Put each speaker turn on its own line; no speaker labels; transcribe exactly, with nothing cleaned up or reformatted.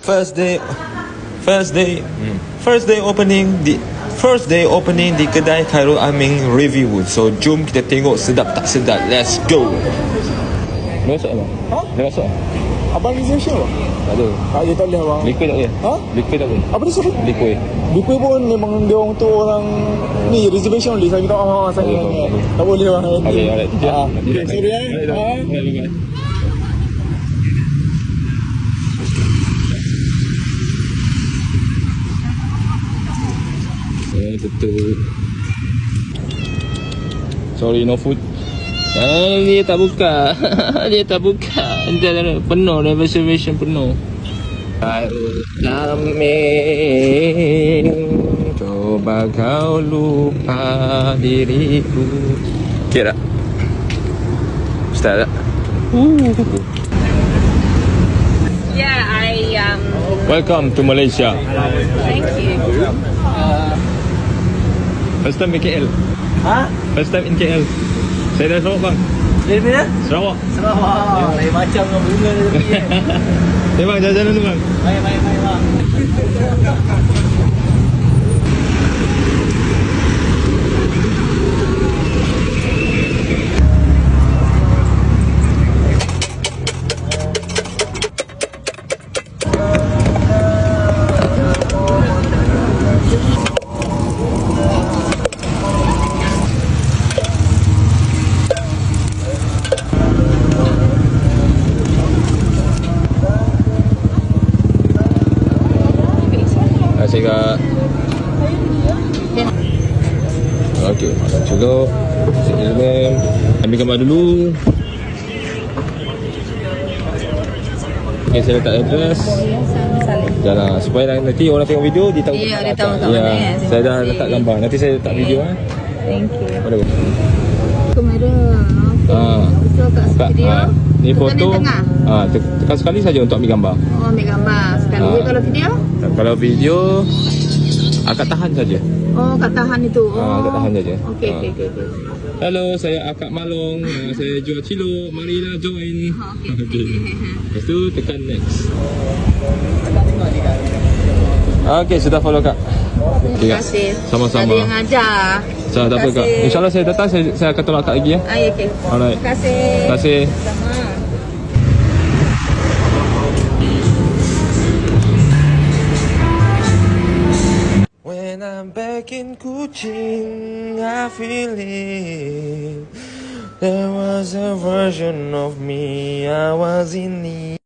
First day, first day, hmm. first day opening di first day opening di kedai Khairul Aming review. So jom kita tengok sedap tak sedap. Let's go.
Dah masuk abang?
Ha?
Dah masuk?
Abang reservation apa?
Tak ada.
Tak ada, tak boleh abang.
Liquid tak boleh?
Ha?
Liquid tak boleh?
Apa dia suruh?
Liquid.
Liquid pun memang dia orang tu orang ni reservation only. Saya minta maaf saya.
Oh, tak boleh.
Tak boleh bang.
Okay, alright.
Ah, okay, sorry eh. Ha?
Bye-bye. Eh, tutup. Sorry, no food. Ah, dia tak buka. Dia tak buka. Dia penuh, reservation penuh. Khairul Aming, coba kau lupa diriku. Okay tak? Start tak? Uh.
Yeah, I um.
Welcome to Malaysia.
Thank you.
First time in K L.
Ha?
First time in K L. Saya dah Sarawak bang.
Dari mana?
Sarawak.
Sarawak. Lain macam dengan bunga dia tadi eh.
Eh bang, jalan-jalan dulu bang.
Baik, baik, baik bang.
Terima kasih kak. Okey, cukup. Silakan ambil gambar dulu. Okey, saya letak address. Jangan supaya nanti orang tengok video dia tahu.
Ya, dia tahu tak
ya,
mana kan.
saya dah letak gambar. Nanti saya letak video ah.
Thank you.
Mana?
Kamera.
Ah.
So kat
Kak,
video.
ah, ni
tekan
foto.
yang tengah.
Ah, te- tekan sekali saja untuk ambil gambar.
Oh, ambil gambar sekali.
Ah.
Kalau video?
Kalau video akak tahan saja.
Oh, kat tahan itu. Oh.
Ah, akak tahan saja.
Okey,
Ah.
okey, okey. okey.
Hello, saya Akak Malong. Uh, saya jual cilok. Marilah join.
Oh, okey.
Okey. Lepas tu tekan next. Okey, sudah follow Kak. Okay,
Terima
Kak.
kasih.
Sama-sama.
Ada yang ajar.
Saya tak apa Kak.
kasih.
InsyaAllah saya datang, saya, saya akan tolak Kak lagi ya.
Ah, ya, okey.
Alright.
Terima kasih.
Terima kasih.
Sama.
When I'm back in Kuching, I feel it. There was a version of me I was in need.